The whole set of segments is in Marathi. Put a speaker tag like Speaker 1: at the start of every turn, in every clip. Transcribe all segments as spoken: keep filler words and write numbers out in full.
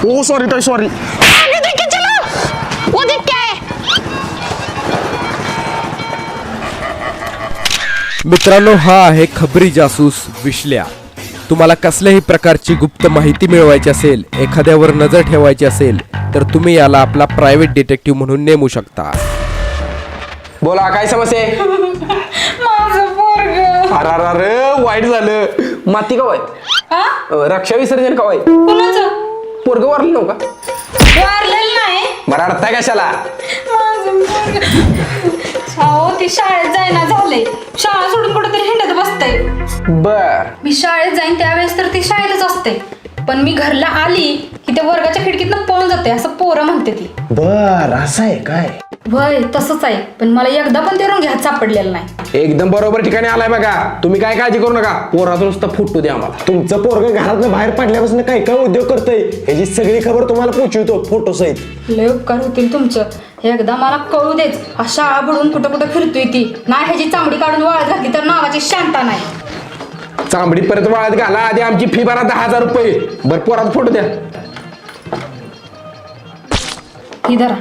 Speaker 1: ओ सॉरी ताई सॉरी.
Speaker 2: मित्रांनो, हा आहे खबरी जासूस विश्ल्या. तुम्हाला कसल्याही प्रकारची गुप्त माहिती मिळवायची असेल, एखाद्यावर नजर ठेवायची असेल, तर तुम्ही याला आपला प्रायव्हेट डिटेक्टिव्ह म्हणून नेमू शकता.
Speaker 1: बोला काय समस्या आहे?
Speaker 3: माझं पोरग.
Speaker 1: अरे अरे अरे वाईट झालं. माती कवाय? रक्षा विसर्जन कवाय?
Speaker 3: कुणाचं?
Speaker 1: पोरग वारलं नव्ह का?
Speaker 3: वारलेलं नाही.
Speaker 1: बरं अडताय कशाला?
Speaker 3: माझं पोरग. हो ती शाळेत जायना झाले. शाळा सोडून कुठेतरी हिंडत बसते.
Speaker 1: बर
Speaker 3: मी शाळेत जाईन त्यावेळेस तर ती शाळेतच असते, पण मी घरला आली की त्या वर्गाच्या खिडकीतनं पळून जाते असं पोरं म्हणते ती.
Speaker 1: बर असं आहे काय?
Speaker 3: वय तसंच आहे, पण मला एकदा पण ते रंग्यात सापडलेलं नाही.
Speaker 1: एकदम बरोबर ठिकाणी आलाय बघा. तुम्ही काय काळजी करू नका, पोराचा नुसता फोटो द्या आम्हाला.
Speaker 4: तुमचं पोरग घरातनं बाहेर पडल्यापासून काय काय उद्योग करतंय ह्याची सगळी खबर तुम्हाला पोहोचवतो फोटो सहित.
Speaker 3: लय उपकार होतील तुमचं. एकदा मला कळू देच, हा शाळा बुडून कुठं कुठं फिरतोय ती. नाही ह्याची चांबडी काढून वाळत घातली तर नावाची शांता नाही.
Speaker 1: चांबडी परत वाळत घाला, आधी आमची फी भरा दहा हजार रुपये. बर पोराचा फोटो द्या.
Speaker 3: ही धरा.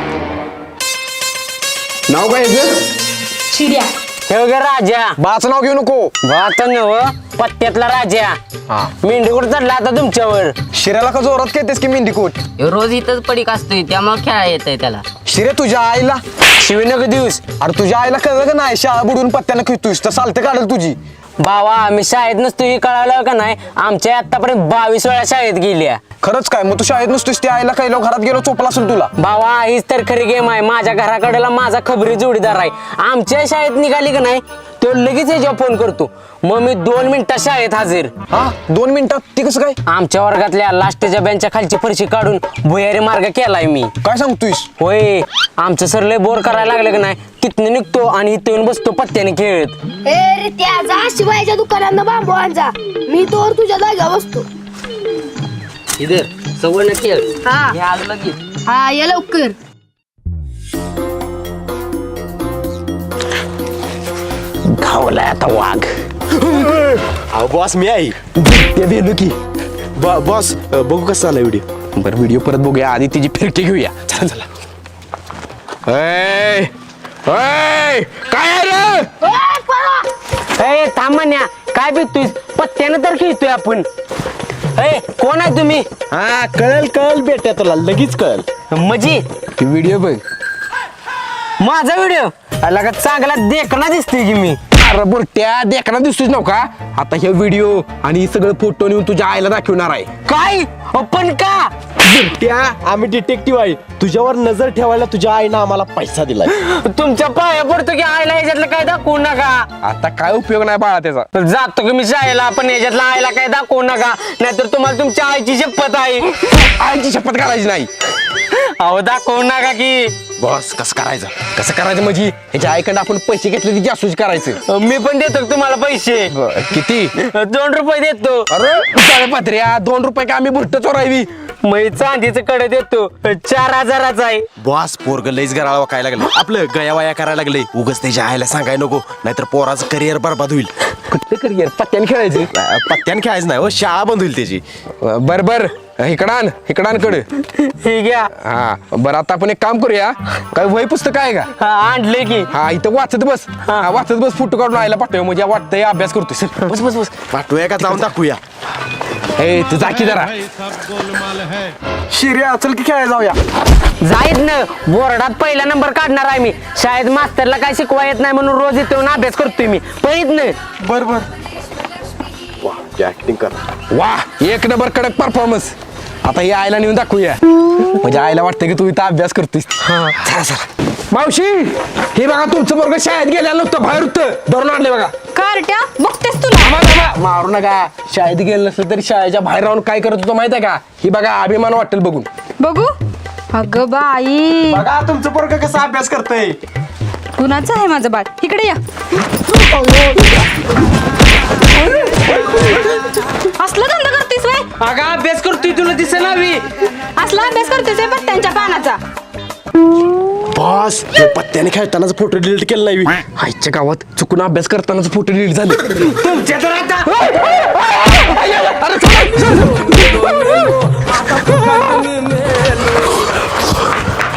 Speaker 1: नाव काय याचं?
Speaker 3: शिर्या.
Speaker 5: हे गे राजा.
Speaker 1: बाचं नाव घेऊ नको.
Speaker 5: बात नव पत्त्यातला राजा. मेंढीकोट चढला आता तुमच्यावर.
Speaker 4: शिऱ्याला का जोरात खेळतेस की मेंढीकोट?
Speaker 6: रोज इथंच पडीक असतोय त्यामुळे खेळा येत आहे त्याला.
Speaker 4: शिरे तुझ्या आईला
Speaker 5: शिवनक दिवस.
Speaker 4: अरे तुझ्या आईला कळलं का नाही शाळा बुडून पत्त्यानं खेळतोयस तर चालते काढल तुझी.
Speaker 5: बाबा आम्ही शाळेत नसतो हे कळालं का नाही. आमच्या आतापर्यंत बावीस वेळा शाळेत गेल्या.
Speaker 4: खरंच काय? मग तू शाळेत नसतोस त्या आईला काही घरात गेलो चोपला असेल तुला.
Speaker 5: बाबा हीच तर खरी गेम आहे. माझ्या घराकडेला माझा खबरी जोडीदार आहे. आमच्या शाळेत निघाली का नाही तो लगेच ह्याच्यावर फोन करतो. मग मी दोन मिनिटात शाळेत हजर.
Speaker 4: हा दोन मिनिटात ती कसं काय?
Speaker 5: आमच्या वर्गातल्या लास्टच्या बेंचच्या खालची फरशी काढून भुयारी मार्ग केलाय मी.
Speaker 4: काय सांगतोयस?
Speaker 5: होय आमचं सर लय बोर करायला लागलं का नाही तिथनं निघतो आणि इथं येऊन बसतो पत्त्याने खेळत.
Speaker 7: ए रे त्याचा शिवायच्या दुकानात बांबू आणजा, मी तोवर तुझ्या जागा बसतो.
Speaker 6: इधर सवय नक्की
Speaker 7: हा
Speaker 6: हे आलं लगेच.
Speaker 7: हा ये लवकर.
Speaker 1: धावलाय आता वाघ.
Speaker 4: अहो बॉस मी आई
Speaker 1: ते भेलू की.
Speaker 4: बॉस बघू कसं आला व्हिडिओ.
Speaker 1: बरं व्हिडिओ परत बघूया, आधी तिची फिरकी घेऊया. चला चला. ऐ, ऐ, काय आहे रे?
Speaker 5: ए थांब म्हण्या, काय भेटतोय पत्त्यानं तर खेळतोय आपण. ए कोण आहे तुम्ही?
Speaker 4: हा कळल कळल बेट्या तुला लगेच कळल.
Speaker 5: मजी
Speaker 1: ती व्हिडिओ बघ.
Speaker 5: माझा व्हिडिओ आला का चांगला देखना दिसतोय की मी.
Speaker 1: अरे बुरट्या देखना दिसतोच नव्हता. आता हे व्हिडिओ आणि हे सगळं फोटो नेऊन तुझ्या आईला दाखवणार आहे.
Speaker 5: काय पण का?
Speaker 4: बेट्या आम्ही डिटेक्टिव्ह आहे, तुझ्यावर नजर ठेवायला तुझ्या आईनं आम्हाला पैसा दिलाय.
Speaker 5: तुमच्या पाया पडतो की आईला याच्यातलं काय दाखवू नका.
Speaker 1: आता काय उपयोग नाही बाळा त्याचा.
Speaker 5: तर जातो की मी शाळेला, पण याच्यातलं आईला काय दाखवू नका, नाहीतर तुम्हाला तुमच्या आईची शपथ आहे.
Speaker 1: आईची शपथ करायची नाही.
Speaker 5: अहो दाखवू नका की.
Speaker 1: बॉस कसं करायचं? कसं करायचं म्हणजे ह्याच्या आईकडे आपण पैसे घेतले ती जासूस करायचं.
Speaker 5: मी पण देतो तुम्हाला पैसे.
Speaker 1: किती?
Speaker 5: दोन रुपये देतो.
Speaker 1: अरे पत्र्या दोन रुपये का आम्ही बुरट चोरावी?
Speaker 5: मी चांदीचं कडे देतो चार हजाराचा आहे.
Speaker 4: बॉस पोरग लईच गराळा वाकायला लागलं, आपलं गया वाया करायला लागले. उगाच त्याच्या आईला सांगाय नको, नाहीतर पोराचं करिअर बरबाद होईल.
Speaker 1: कुठलं करिअर? पत्त्याने खेळायचं?
Speaker 4: पत्त्यान खेळायचं नाही हो, शाळा बंद होईल त्याची.
Speaker 1: बर बर इकडान इकडानकडे.
Speaker 5: हे घ्या.
Speaker 1: हा बरं आता आपण एक काम करूया. काय वही पुस्तक आहे का?
Speaker 5: हा आणले की.
Speaker 1: हा इथं वाचत बस. हा वाचत बस. फोटो काढून आईला पाठवूया म्हणजे वाटतंय अभ्यास करतोय. चल, बस बस बस.
Speaker 4: पाठवूया का जाऊन दाखवूया?
Speaker 1: ए तू जा की जरा.
Speaker 4: शिर्या चल की खेळायला जाऊया.
Speaker 5: जाईत ना बोर्डात पहिला नंबर काढणार आहे मी. शाळेत मास्तरला काय शिकवा येत नाही म्हणून रोज इथे येऊन अभ्यास करतोय मी. पहित ना.
Speaker 4: बर बर. ऍक्टिंग कर.
Speaker 1: वा एक नंबर कडक परफॉर्मन्स. आता ही आईला नेऊन दाखवूया म्हणजे आईला वाटतं की तू इथं अभ्यास करतोस. चला चला. मावशी हे बघा तुमचं वर्ग शाळेत गेलेलं नव्हतं, बाहेर होतं. धरून आणले बघा.
Speaker 3: कार्ट्या बघतेस तुला.
Speaker 1: थांबा, थांबा. मारू नका. शाळेत गेलं नसलं तरी शाळेच्या बाहेर राहून काय करत होतो माहित आहे का? ही बघा अभिमान वाटेल बघून.
Speaker 3: बघू. अगं बाई
Speaker 4: बघा तुमचं पोरग कसा अभ्यास करतय.
Speaker 3: कुणाचं आहे माझं बाळ? इकडे या. असला धंदा करतेस वय?
Speaker 5: अगं अभ्यास करतोय तुला दिसेना मी.
Speaker 3: असला अभ्यास करतेस वय पत्त्यांच्या पानाचा?
Speaker 4: बॉस पत्त्याने खेळतानाच फोटो डिलीट केला नाही.
Speaker 1: आईच्या गावात चुकून अभ्यास करतानाच फोटो डिलीट झाले.
Speaker 5: तुमच्या तर आता
Speaker 1: अरे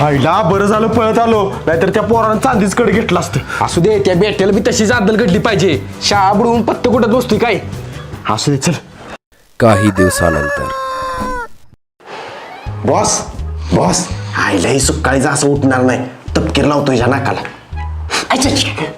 Speaker 4: आईला बरं झालं पळत आलो, नाहीतर त्या पोरानं चांदीच कडे घेतलं असतं.
Speaker 1: असू दे, त्या बेट्याला बी तशी जादल घडली पाहिजे. शाळा बुडवून पत्त कुठत बसतोय काय.
Speaker 4: असू दे चल.
Speaker 2: काही दिवसानंतर
Speaker 4: बॉस बॉस आईलाही सुकाळीचा असं उठणार नाही. तपकीर लावतो ह्या नाकाला. अच्छा, अच्छा.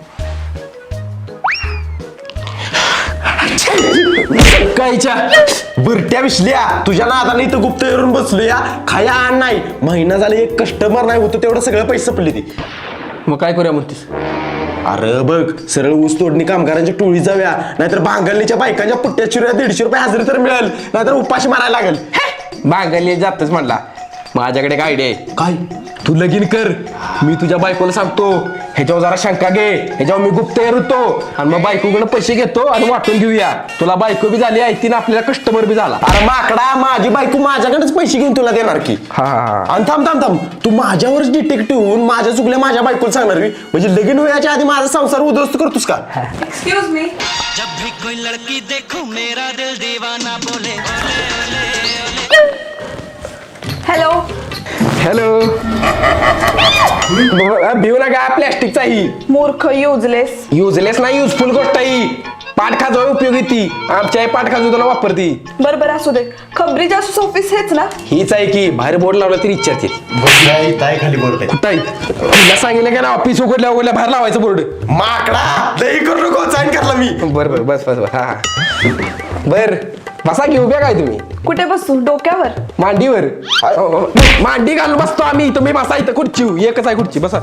Speaker 1: कायच्या
Speaker 4: बुरट्या विसल्या तुझ्या नादाने इथं गुप्त येऊन बसलो या. खाया आण नाही. महिना झाला एक कस्टमर नाही होतं, तेवढं सगळं पैसे संपले ती.
Speaker 1: मग काय करूया म्हणतेस?
Speaker 4: अरे बघ, सरळ ऊस तोडणी कामगारांच्या टोळी जाऊया, नाहीतर बांगलनीच्या बायकांच्या पुट्ट्या चिऱ्या दीडशे रुपये हजेरी तर मिळेल, नाहीतर उपाशी मारायला लागेल.
Speaker 1: बांगली जातच म्हणला. माझ्याकडे एक आयडिया आहे.
Speaker 4: काय?
Speaker 1: तू लगीन कर, मी तुझ्या बायकोला सांगतो. ह्याच्यावर जरा शंका घे, ह्याच्यावर मी गुप्त होतो आणि मग बायकोकडे पैसे घेतो आणि वाटून घेऊया. तुला बायको बी झाली, ऐकतीन आपल्याला कस्टमर बी झाला.
Speaker 4: अरे माकडा, माझी बायको माझ्याकडेच पैसे घेऊन तुला देणार की.
Speaker 1: हा हा
Speaker 4: आणि थांब थांब थांब, तू माझ्यावरच डिटेक्टिव्ह होऊन माझ्या चुकल्या माझ्या बायकोला सांगणार की, म्हणजे लगीन व्हायच्या आधी माझा संसार उद्ध्वस्त करतोस का?
Speaker 3: Excuse me. हॅलो.
Speaker 1: हॅलो. भिऊ नका, प्लॅस्टिकचा ही.
Speaker 3: मूर्ख, युजलेस.
Speaker 1: युजलेस नाही, युजफुल गोष्ट ही. पाठ खाजो उपयोगी ती. आमच्या आई पाठ खाजो तुला वापरती.
Speaker 3: बरं बरं, असू दे. खबरी जासूस ऑफिस हेच ना?
Speaker 1: हीच आहे की, बाहेर बोर्ड लावला तरी इच्छाची.
Speaker 4: खाली बोलत
Speaker 1: कुठं आहे? तुला सांगितलं का ना, ऑफिस उघडल्या उघडल्या बाहेर लावायचं बोर्ड.
Speaker 4: माकडा, दही करू नको, साईन करला मी.
Speaker 1: बरं बरं, बस बस बस. हा हा बर, बसा की. उभ्या काय तुम्ही?
Speaker 3: कुठे बसू? डोक्यावर?
Speaker 1: मांडीवर. मांडी घालून बसतो आम्ही. तुम्ही बसा इथं खुर्ची. एकच आहे खुर्ची. बसा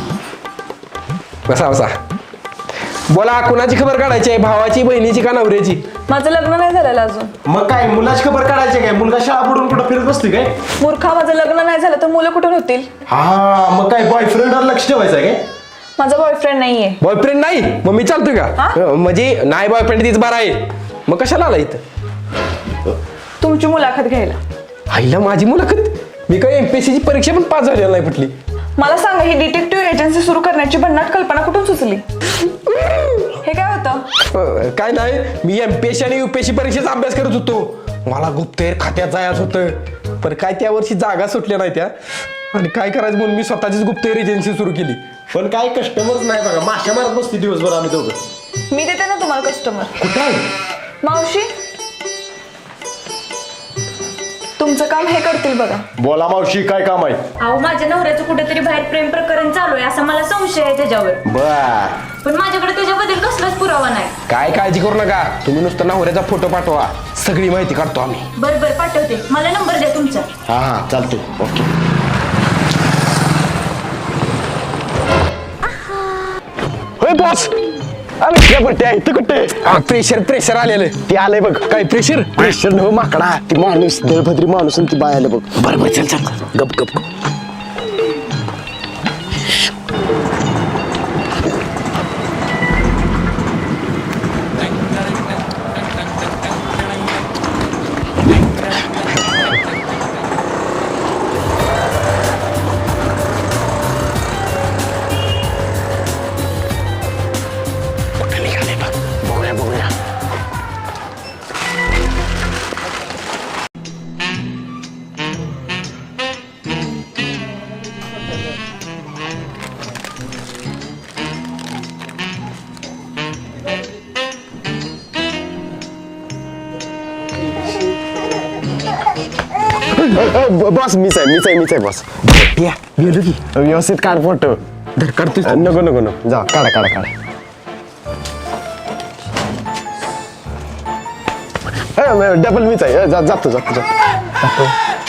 Speaker 1: बसा बसा. बोला, कुणाची खबर काढायची आहे? भावाची, बहिणीची का नवऱ्याची?
Speaker 3: माझं लग्न नाही झालेलं अजून.
Speaker 4: मग काय मुलाची खबर काढायची काय? मुलगा शाळा बुडून कुठं फिरत बसतोय काय?
Speaker 3: मूर्खा, माझं लग्न नाही झालं तर मुलं कुठून होतील?
Speaker 4: हा, मग काय बॉयफ्रेंडवर लक्ष ठेवायचं आहे काय?
Speaker 3: माझा बॉयफ्रेंड नाहीये.
Speaker 1: बॉयफ्रेंड नाही? मग मी चालतोय का?
Speaker 3: हा?
Speaker 1: म्हणजे नाही बॉयफ्रेंड तीच बारा आहे. मग कशाला आला इथं?
Speaker 3: तुमची मुलाखत घ्यायला.
Speaker 1: आईला माझी मुलाखत? मी काय एमपीएससी ची परीक्षा पण पास झालेला नाही कुठली.
Speaker 3: मला सांगा, ही डिटेक्टिव्ह एजन्सी सुरू करण्याची भन्नाट कल्पना कुठून सुचली? हे काय होतं?
Speaker 1: अं, काय नाही, मी एमपीएससी आणि युपीएससी परीक्षेचा अभ्यास करत होतो. मला गुप्तहेर खात्यात जायचं होतं, पण काय त्या वर्षी जागा सुटल्या नाही त्या. आणि काय करायचं म्हणून मी स्वतःचीच गुप्तहेर एजन्सी सुरू केली.
Speaker 4: पण काय कस्टमरच नाही बघा. माश्या मारत बसते दिवसभर आम्ही दोघं.
Speaker 3: मी देते ना तुम्हाला कस्टमर.
Speaker 4: कुठं आहे?
Speaker 3: मावशी, तुमचं काम हे करतील बघा.
Speaker 4: बोला मावशी, काय काम आहे?
Speaker 8: अहो, माझ्या नवऱ्याचं कुठेतरी बाहेर प्रेम प्रकरण चालू आहे असा मला संशय आहे त्याच्यावर.
Speaker 4: बर.
Speaker 8: पण माझ्याकडे त्याच्याबद्दल कसलाच पुरावा नाही.
Speaker 1: काय काळजी करू नका, तुम्ही नुसतं नवऱ्याचा फोटो पाठवा, सगळी माहिती काढतो आम्ही.
Speaker 8: बरं बरं, पाठवते. मला नंबर द्या तुमचा.
Speaker 4: हा हा, चालतो. ओके.
Speaker 1: होय बॉस.
Speaker 4: इथं कुठे?
Speaker 1: प्रेशर प्रेशर आलेलं.
Speaker 4: ती आलंय बघ.
Speaker 1: काय प्रेशर?
Speaker 4: प्रेशर न माकडा, ती माणूस दळभद्री माणूस आणि ती बाय आलं बघ.
Speaker 1: बरं बरं, चल चल, गप गप गप.
Speaker 4: बॉस मीच आहे मीच आहे मीच आहे बॉस.
Speaker 1: या गेलो की.
Speaker 4: व्यवस्थित काढ फोटो.
Speaker 1: धर काढतोय.
Speaker 4: नको नको नको, जा काढा काढा काढा. डबल मीच आहे. जा जातो जातो जातो.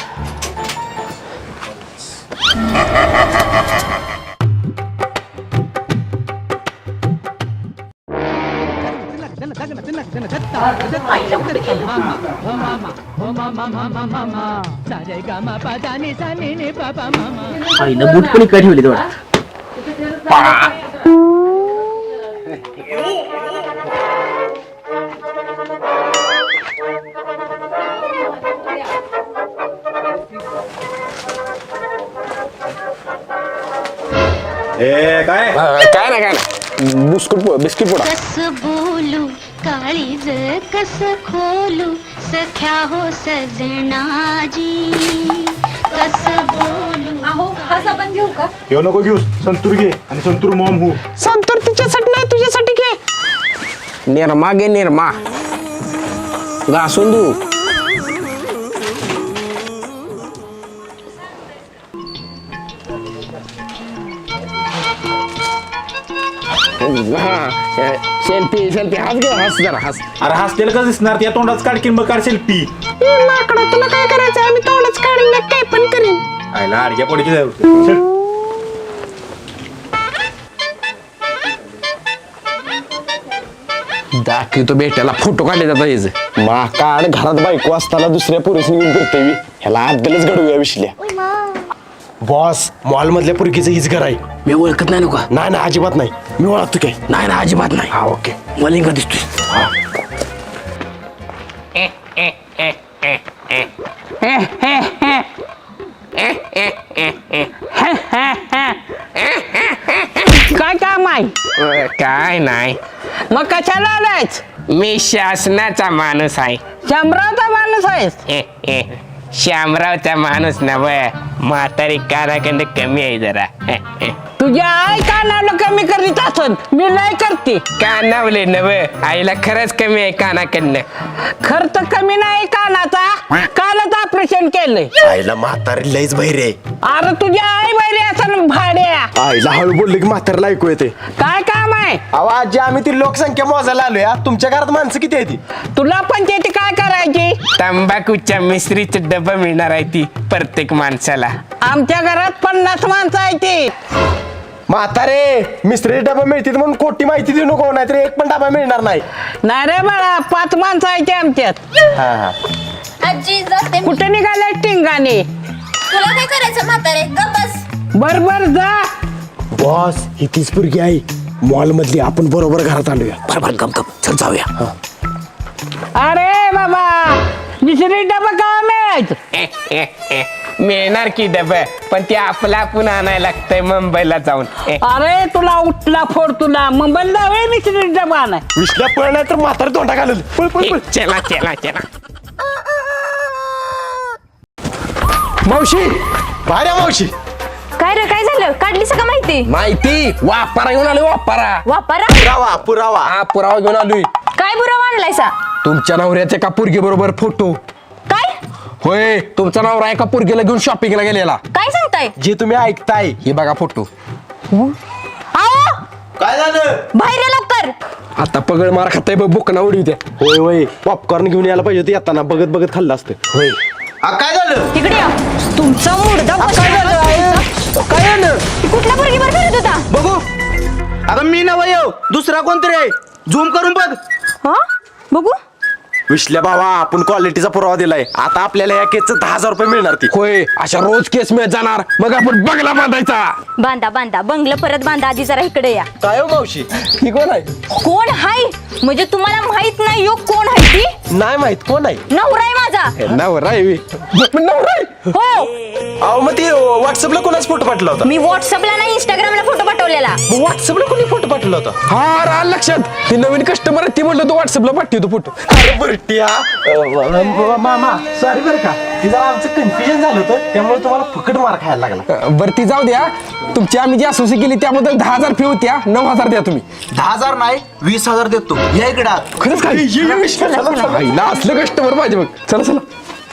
Speaker 6: आईला बूट पण काय ठेवले तेवढा.
Speaker 4: ए काय
Speaker 1: काय ना काय ना, बिस्कुट बिस्किट पोडा.
Speaker 9: कस बोलू काळीज कस खोलू सख्या हो सजनाजी कस बोलू
Speaker 8: माहो हा साबण घेऊ का?
Speaker 4: येऊ नको घेऊस संतूर घे आणि संतूर मॉम हो.
Speaker 5: संतूर तिच्यासाठी नाही तुझ्यासाठी घे. निर्मा घे निर्मा घासून देऊ. सेल्फी सेल्फी हस घे हस जरा हस.
Speaker 4: अरे हसतेल का दिसणार त्या तोंडाच काढकीन मग काढ सेल्फी.
Speaker 5: माकडा तुला काय करायचं आम्ही तोंडच काढून काय पण करीन.
Speaker 4: आयला अडक्या पडीची जाऊ.
Speaker 1: दाखवतो बेट्याला फोटो काढले जातात याचं.
Speaker 4: मा काढ घरात बायको असताना दुसऱ्या पुरुषनी घेऊन करते मी. ह्याला अद्दलच घडवूया विश्ल्या. बॉस मॉल मधल्या पुरकीचं हीच घर आहे.
Speaker 1: मी ओळखत नाही नका.
Speaker 4: नाही ना अजिबात नाही. मी ओळखतो काय.
Speaker 1: नाही ना अजिबात नाही. हा ओके मलिंगा दिसतोय.
Speaker 5: काय काम आहे?
Speaker 1: अ, काय नाही.
Speaker 5: मग कशाला आलायच?
Speaker 1: मी शासनाचा माणूस आहे.
Speaker 5: शंभराचा माणूस आहेस?
Speaker 1: ए, ए, श्यामरावचा माणूस नव म्हातारी कानाकंड कमी आहे जरा. ए, ए.
Speaker 5: तुझ्या आई कानावलं कमी करीत असत मी नाही करते.
Speaker 1: कानावले नव आईला खरंच कमी आहे कानाकडनं.
Speaker 5: खर्च कमी नाही कानाचा. कालच ऑपरेशन केलंय.
Speaker 4: आईला म्हातारी लईच बहिरे आहे.
Speaker 5: अरे तुझ्या आई बहिणी असं भाड्या.
Speaker 4: आईला हळू बोलले की म्हातारीला ऐकू येते.
Speaker 5: काय काम आहे?
Speaker 4: अहो आजी आम्ही ती लोकसंख्या मोजायला आलोय. तुमच्या घरात माणसं किती आहे ती?
Speaker 5: तुला पंचायती काय करायची?
Speaker 1: तंबाखूच्या मिश्रीचं डबा मिळणार आहे ती प्रत्येक माणसाला.
Speaker 5: आमच्या घरात पन्नास माणसं आहे ती.
Speaker 4: म्हातारे मिस्त्री डबा मिळतील म्हणून खोटी माहिती देऊ नको नाहीतर एक पण डबा मिळणार नाही.
Speaker 5: नाही रे बाळा पाच माणसं आहे ते आमच्यात.
Speaker 4: हा हा
Speaker 7: आजी जाते.
Speaker 5: कुठे निघाले टिंगाने?
Speaker 7: तुला काय करायचं म्हातारे गप्पस.
Speaker 5: बर बर जा.
Speaker 4: बॉस ही तीच पुरगी आहे मॉल मधली. आपण बरोबर घरात आलोया.
Speaker 1: बरोबर गप गप चल जाऊया.
Speaker 5: अरे बाबा दुसरी डबा का मिळायचं?
Speaker 1: ए, ए, ए. मिळणार की डबा पण ते आपला आपण आणायला लागतंय मुंबईला जाऊन. ए,
Speaker 5: अरे तुला उठला फोड तुला मुंबईला जावे दुसरी डबा नाही.
Speaker 4: विश्ल्या पळ नाही तर म्हातारी तोंडा घालल. पळ पळ
Speaker 1: ए,
Speaker 4: पळ.
Speaker 1: चला चला चला. मावशी
Speaker 4: भाड्या मावशी.
Speaker 8: काय रे काय झालं? काढलीस का माहिती?
Speaker 1: माहिती वापारा घेऊन आलोय वापारा.
Speaker 8: वापरा.
Speaker 4: पुरावा पुरावा.
Speaker 1: हा पुरावा घेऊन आलोय.
Speaker 8: काय बुरा मांडलायसा?
Speaker 1: तुमच्या नवऱ्याचे का पोरगी बरोबर फोटो.
Speaker 8: काय
Speaker 1: होय तुमचा नवरा एका पोरगीला घेऊन शॉपिंगला गेलेला.
Speaker 8: काय सांगताय?
Speaker 4: जे तुम्ही ऐकताय
Speaker 1: हे बघा फोटो.
Speaker 8: आओ
Speaker 4: काय झालं?
Speaker 8: बाहेर या लवकर.
Speaker 1: आता पगड मार खाताय बघ बुकना उडी त्या.
Speaker 4: होय होय पॉपकॉर्न घेऊन यायला पाहिजे होती येताना. बघत बघत खाल्लं असतं.
Speaker 1: होय
Speaker 4: काय झालं?
Speaker 8: तिकडे या. तुमचा मुडदा
Speaker 5: काय झालं? काय झालं?
Speaker 8: कुठल्या पोरगीवर फिरत होता?
Speaker 6: बघू. अगं मी नव येऊ दुसरा कोणतरी आहे. झूम करून बघ.
Speaker 8: हा बघू.
Speaker 4: विश्ल्या भावा आपण क्वालिटीचा पुरावा दिलाय. आता आपल्याला या केसचं दहा हजार रुपये मिळणार ती.
Speaker 1: होय अशा रोज केस मिळत जाणार मग आपण बंगला बांधायचा.
Speaker 8: बांधा बांधा बंगलं परत बांधा. आधी जरा इकडे या.
Speaker 4: काय हो मावशी?
Speaker 1: ही कोण आहे?
Speaker 8: कोण हाय म्हणजे तुम्हाला माहित नाही यो कोण आहे ती?
Speaker 4: नाही माहित कोण आहे.
Speaker 8: नवरा आहे माझा.
Speaker 1: नवरा आहे बे. नवरा आहे?
Speaker 8: हो
Speaker 4: अहो मग ती व्हॉट्सअपला कोणाच फोटो पाठवला होता?
Speaker 8: मी व्हॉट्सअपला नाही इंस्टाग्रामला फोटो पाठवलेला.
Speaker 4: व्हॉट्सअपला कोणी फोटो पाठवला होता?
Speaker 1: हा राहिलं लक्षात. ती नवीन कस्टमर आहे ती म्हणलं तू व्हॉट्सअपला पाठवतो फोटो.
Speaker 4: अरे बरट्या मामा सॉरी बरं का ती जरा आमचं कन्फ्युजन झालं होतं त्यामुळे तुम्हाला फुकट मार खायला लागला.
Speaker 1: बरं ती जाऊ द्या. तुमची आम्ही जी असोसी केली त्याबद्दल दहा हजार फी होत्या. नऊ हजार द्या तुम्ही.
Speaker 6: दहा हजार नाही वीस हजार देतो. या इकडं.
Speaker 1: खरंच काय आईला असलं कस्टमर पाहिजे मग. चला चला.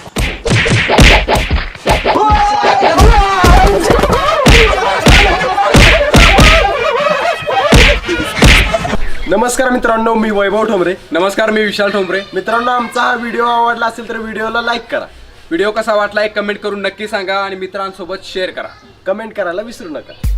Speaker 4: नमस्कार मित्रांनो मी वैभव ठोंबरे.
Speaker 2: नमस्कार मी विशाल ठोंबरे.
Speaker 4: मित्रांनो आमचा हा व्हिडिओ आवडला असेल तर व्हिडिओला लाईक करा.
Speaker 2: व्हिडिओ कसा वाटला एक कमेंट करून नक्की सांगा आणि मित्रांसोबत शेअर करा.
Speaker 4: कमेंट करायला विसरू नका.